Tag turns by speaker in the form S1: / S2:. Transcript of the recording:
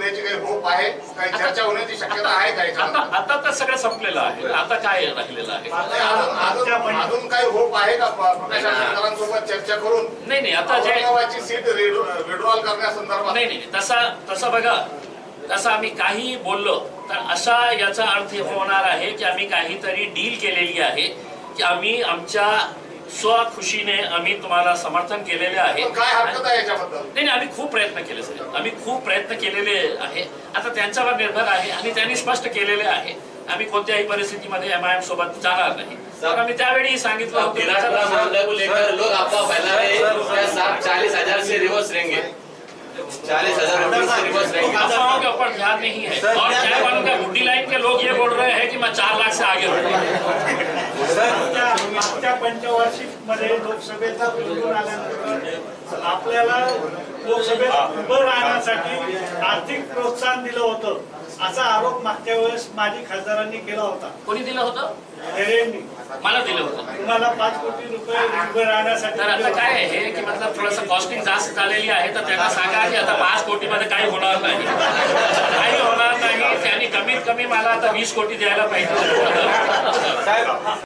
S1: होण्याची काही होप आहे, काही चर्चा होण्याची शक्यता आहे काय?
S2: आता तर सगळं संपलेलं आहे, आता काय राहिलेलं आहे?
S1: अजून काही होप आहे का प्रकाश आंबेडकरांसोबत चर्चा करून?
S2: नाही आता जे
S1: औरंगाबादची सीट विड्रॉल करण्यासंदर्भात
S2: नाही तसं बघा, तसं आम्ही काही बोललो तर असा याचा अर्थ होणार आहे की आम्ही काहीतरी डील केलेली आहे की आम्ही आमच्या स्वखुशीने आम्ही तुम्हाला समर्थन केलेले आहे.
S1: काय हरकत आहे याच्याबद्दल?
S2: नाही आम्ही खूप प्रयत्न केले सर, आम्ही खूप प्रयत्न केलेले आहे. आता त्यांच्यावर निर्भर आहे आणि त्यांनी स्पष्ट केलेले आहे आम्ही कोणत्याही परिस्थितीमध्ये MIM सोबत जाणार नाही. तर आम्ही त्यावेळी सांगितलं होतं
S3: लोग अफवाह फैला रहे हैं 40,000 से रिवर्स रहेंगे, 40,000 रुपये से रिवर्स रहेंगे।
S2: अफवाहों के ऊपर ध्यान नहीं है और चाय वालों का गुड्डी लाइन के लोग ये बोल रहे हैं कि मैं 4 लाख से आगे
S4: मागच्या पंचवार्षिक मध्ये लोकसभेचा निवडून आल्यानंतर आपल्याला लोकसभेत उभं राहण्यासाठी आर्थिक प्रोत्साहन दिलं होतं असा आरोप मागच्या वेळेस माजी खासदारांनी केला होता.
S2: कोणी दिलं होतं?
S4: हेरेंनी
S2: मला दिलं होतं.
S4: तुम्हाला 5 कोटी रुपये उभं राहण्यासाठी.
S2: तर आता काय आहे की मतलब थोडंसं कॉस्टिंग जास्त झालेली आहे, तर त्यांना सांगा की आता 5 कोटीमध्ये काही होणार नाही, काही होणार नाही. त्यांनी कमीत कमी मला आता 20 कोटी द्यायला पाहिजे.